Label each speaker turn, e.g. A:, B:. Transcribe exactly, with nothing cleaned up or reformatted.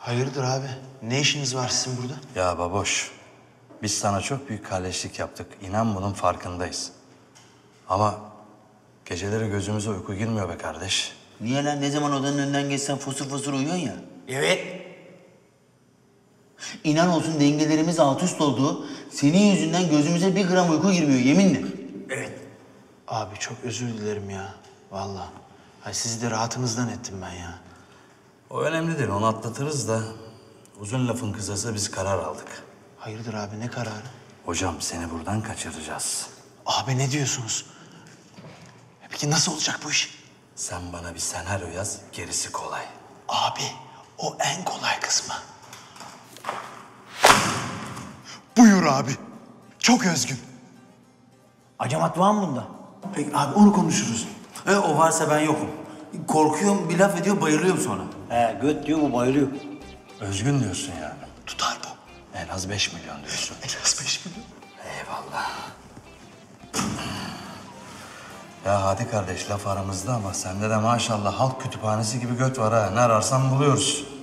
A: Hayırdır abi? Ne işiniz var sizin burada?
B: Ya baboş, biz sana çok büyük kalleşlik yaptık. İnan bunun farkındayız. Ama geceleri gözümüze uyku girmiyor be kardeş.
C: Niye lan? Ne zaman odanın önünden geçsen fosur fosur uyuyorsun ya.
A: Evet.
C: İnan olsun dengelerimiz alt üst oldu. Senin yüzünden gözümüze bir gram uyku girmiyor yeminle.
A: Evet. Abi çok özür dilerim ya. Vallahi. Ay sizi de rahatınızdan ettim ben ya.
B: O önemli değil, onu atlatırız da uzun lafın kısası biz karar aldık.
A: Hayırdır abi ne kararı?
B: Hocam seni buradan kaçıracağız.
A: Abi ne diyorsunuz? Peki nasıl olacak bu iş?
B: Sen bana bir senaryo yaz, gerisi kolay.
A: Abi o en kolay kısmı. Buyur abi. Çok özgün.
C: Acamat var mı bunda?
A: Peki abi onu konuşuruz.
C: E, o varsa ben yokum. Korkuyorum, bir laf ediyor, bayılıyorum sonra. He, göt diyor, bu bayılıyor.
B: Özgün diyorsun yani.
A: Tutar bu.
B: En az beş milyon diyorsun.
A: En az beş milyon.
B: Eyvallah. Ya hadi kardeş laf aramızda ama sende de maşallah halk kütüphanesi gibi göt var ha. Ne ararsan buluyoruz.